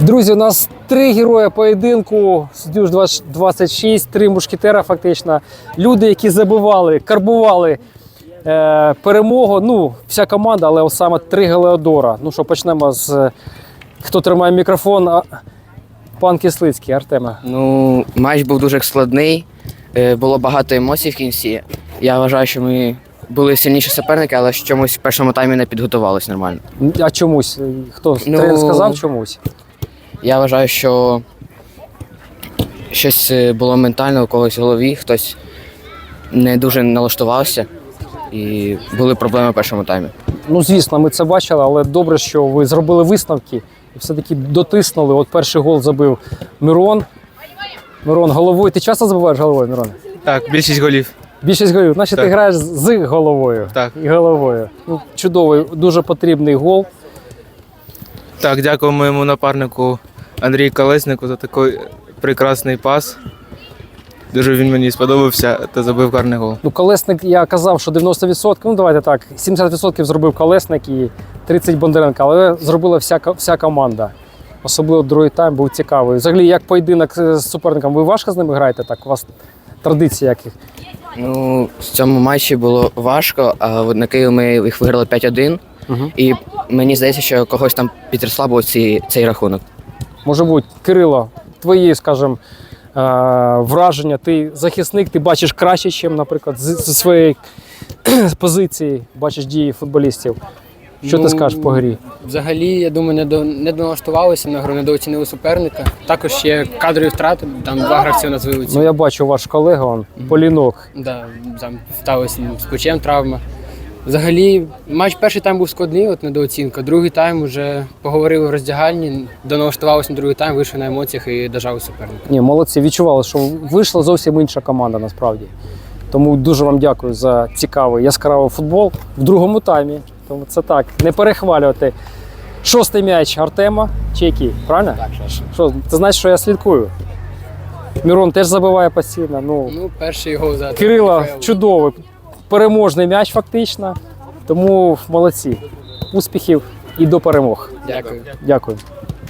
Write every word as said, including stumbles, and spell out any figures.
Друзі, у нас три герої поєдинку, Дюж двадцять шість, три мушкетера фактично. Люди, які забивали, карбували е, перемогу. Ну, вся команда, але саме три Гелеодора. Ну що, почнемо з, хто тримає мікрофон, а, пан Кислицький, Артема. Ну, матч був дуже складний, е, було багато емоцій в кінці. Я вважаю, що ми були сильніші суперники, але чомусь в першому таймі не підготувалися нормально. А чомусь? Хто? Ну, Тренер сказав чомусь? Я вважаю, що щось було ментально у когось в голові, хтось не дуже налаштувався і були проблеми в першому таймі. Ну, звісно, ми це бачили, але добре, що ви зробили висновки і все-таки дотиснули. От перший гол забив Мирон. Мирон головою. Ти часто забуваєш головою, Мирон? Так, більшість голів. Більшість голів. Значить, Так. ти граєш з головою. Так. І головою. Ну, чудовий, дуже потрібний гол. Так, дякую моєму напарнику Андрію Колеснику за такий прекрасний пас. Дуже він мені сподобався та забив гарний гол. Ну, Колесник, я казав, що дев'яносто відсотків, ну давайте так, сімдесят відсотків зробив Колесник і тридцять Бондаренко, але зробила вся, вся команда. Особливо другий тайм був цікавий. Взагалі, як поєдинок з суперником, ви важко з ними граєте? Так, у вас традиції яких? Ну, в цьому матчі було важко, а от на Київ ми їх виграли п'ять один. Угу. І мені здається, що когось там підрослабив цей, цей рахунок. Може бути, Кирило, твої, скажімо, е, враження, ти захисник, ти бачиш краще, ніж, наприклад, зі своєї позиції бачиш дії футболістів. Що Ну, ти скажеш по грі? Взагалі, я думаю, не, до, не доналаштувалися на гру, недооцінили суперника. Також є кадрові втрати, там два гравці у нас вилучили. Ну, я бачу ваш колега, он, Полінок. Да, там сталося з плечем травма. Взагалі, матч перший тайм був складний, от недооцінка. Другий тайм вже поговорили в роздягальні, доналаштувалися на другий тайм, вийшли на емоціях і дожали суперника. Ні, молодці, відчували, що вийшла зовсім інша команда насправді. Тому дуже вам дякую за цікавий, яскравий футбол в другому таймі. Тому це так, не перехвалювати. Шостий м'яч Артема, чи який, правильно? Так, що? Що, ти знаєш, що я слідкую? Мирон теж забиває постійно. Ну, Ну, перший гол за Кирила Михайло. чудовий, переможний м'яч фактично. Тому молодці. Успіхів і до перемог. Дякую. Дякую.